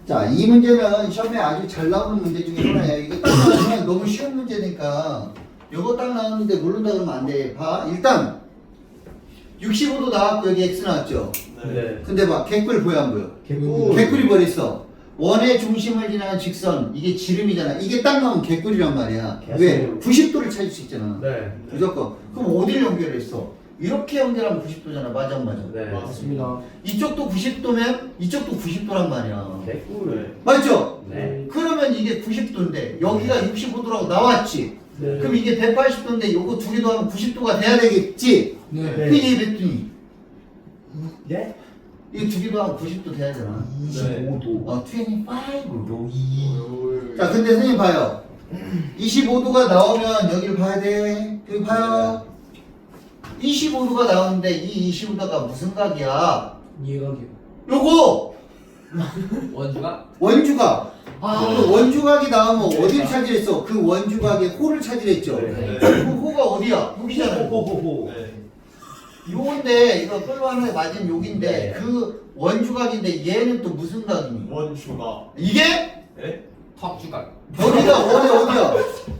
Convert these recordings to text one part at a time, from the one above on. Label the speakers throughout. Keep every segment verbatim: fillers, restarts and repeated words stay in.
Speaker 1: 자, 이 문제는 시험에 아주 잘 나오는 문제 중에 하나예요. 이거 딱 나오면 너무 쉬운 문제니까 이거 딱 나오는데 모른다 그러면 안 돼. 봐. 일단 육십오 도 나왔고 여기 X 나왔죠?
Speaker 2: 네.
Speaker 1: 근데 봐. 개꿀 보여 안 보여?
Speaker 2: 개꿀.
Speaker 1: 개꿀이 버렸어. 원의 중심을 지나는 직선. 이게 지름이잖아. 이게 딱 나오면 개꿀이란 말이야. 왜? 구십 도를 찾을 수 있잖아.
Speaker 2: 네.
Speaker 1: 무조건. 그럼 어디를 연결했어? 이렇게 연결하면 구십 도잖아. 맞아 안 맞아?
Speaker 2: 네.
Speaker 3: 맞습니다.
Speaker 1: 이쪽도 구십 도면 이쪽도 구십 도란 말이야.
Speaker 2: 개꿀.
Speaker 1: 맞죠?
Speaker 2: 네.
Speaker 1: 그러면 이게 구십 도인데 여기가 육십오 도라고 나왔지.
Speaker 3: 네.
Speaker 1: 그럼 이게 백팔십 도인데 요거 두 개 더하면 구십 도가 돼야 되겠지.
Speaker 3: 네.
Speaker 1: 그 얘기 했더니
Speaker 2: 네?
Speaker 1: 이게 두 개 더하면 구십 도 돼야 되나?
Speaker 3: 이십오 도.
Speaker 1: 어, 이십오 도.
Speaker 3: 이.
Speaker 1: 자, 근데 선생님 봐요. 이십오 도가 나오면 여기를 봐야 돼. 여기 봐요. 이십오 도가 나오는데 이 이십오 도가 무슨 각이야?
Speaker 3: 이해가기요.
Speaker 1: 요거
Speaker 4: 원주가?
Speaker 1: 원주각.
Speaker 4: 아.
Speaker 1: 그 원주각이 나오면 어디를 차지했어? 그 원주각의 호를 차지했죠.
Speaker 2: 네.
Speaker 1: 그 호가 어디야? 여기잖아요.
Speaker 2: 호호호호.
Speaker 1: 요건데 이거 끌어가는 맞은 여긴데
Speaker 2: 네.
Speaker 1: 그 원주각인데 얘는 또 무슨 각이니?
Speaker 5: 원주가.
Speaker 1: 이게
Speaker 5: 네?
Speaker 4: 턱주각.
Speaker 1: 어디가 어디 어디야?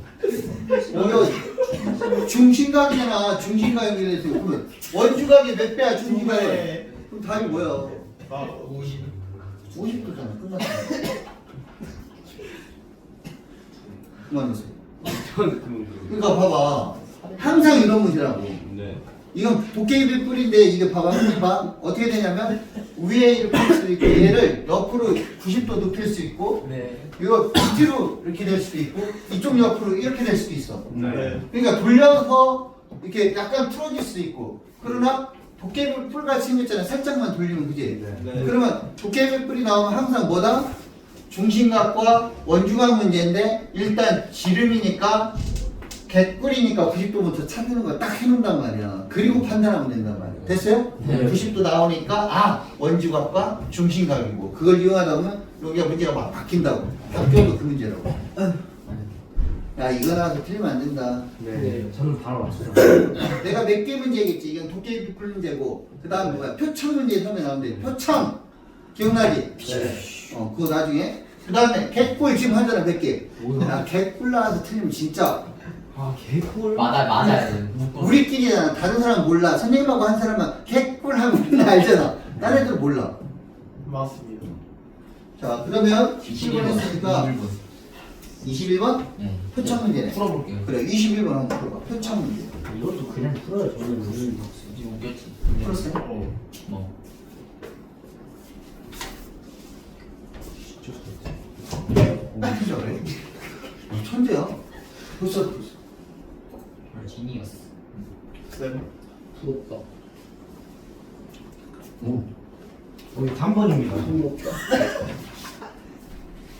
Speaker 1: 여기 중심각이잖아. 중심각 연결해서 그러면 원주각이 몇 배야? 중심각이? 그럼 답이 뭐야?
Speaker 5: 아,
Speaker 4: 오십.
Speaker 1: 오십 도잖아. 끝났어. 그만하세요. 그러니까 봐봐. 항상 이런 문제라고.
Speaker 2: 네.
Speaker 1: 이건 도깨비 뿔인데 이게 봐봐. 봐. 어떻게 되냐면 위에 이렇게 할 수도 있고 얘를 옆으로 구십 도 눕힐 수 있고
Speaker 4: 네.
Speaker 1: 이거 밑으로 이렇게 될 수도 있고 이쪽 옆으로 이렇게 될 수도 있어.
Speaker 5: 네.
Speaker 1: 그러니까 돌려서 이렇게 약간 풀어질 수도 있고 그러나 도깨비 뿔같이 생겼잖아. 살짝만 돌리면 그지?
Speaker 5: 네.
Speaker 1: 그러면 도깨비 뿔이 나오면 항상 뭐다? 중심각과 원주각 문제인데 일단 지름이니까 개꿀이니까 구십 도부터 찾는 거 딱 해놓는단 말이야. 그리고 판단하면 된단 말이야. 됐어요?
Speaker 4: 네.
Speaker 1: 구십 도 나오니까 아 원주각과 중심각이고 그걸 이용하다 보면 여기가 문제가 막 바뀐다고. 학교도 그 문제라고. 야 이거 나와서 틀리면 안 된다.
Speaker 3: 네. 저는 바로 왔어요.
Speaker 1: 내가 몇 개 문제겠지. 이건 도깨비 뿔 문제고 그 다음 뭐야? 표창 문제 처음에 나오는데 표창 기억나지?
Speaker 2: 네.
Speaker 1: 어 그거 나중에 그 다음에 개꿀 지금 하잖아 몇 개.
Speaker 3: 뭐야?
Speaker 1: 야 개꿀 나와서 틀리면 진짜
Speaker 3: 아 개꿀.
Speaker 4: 맞아 맞아야 돼. 묶어.
Speaker 1: 우리끼리잖아. 다른 사람 몰라. 선생님하고 한 사람만 개꿀 하면 우리는 알잖아. 딴 애들 몰라.
Speaker 5: 맞습니다.
Speaker 1: 자 그러면 이십 번 했으니까
Speaker 4: 이십일 번.
Speaker 1: 이십일 번?
Speaker 4: 네.
Speaker 1: 표창 문제네.
Speaker 4: 풀어볼게요.
Speaker 1: 그래 이십일 번 한번 풀어봐. 표창 문제.
Speaker 3: 이것도 그냥 풀어요. 저는 오늘
Speaker 4: 이제 웃겼지.
Speaker 1: 풀었어요?
Speaker 5: 어.
Speaker 4: 뭐.
Speaker 1: 진짜 그래? 어, 천재야. 벌써 벌써.
Speaker 4: 아, 진이었어.
Speaker 5: 쌤.
Speaker 3: 부럽다. 오. 거의 삼 번입니다.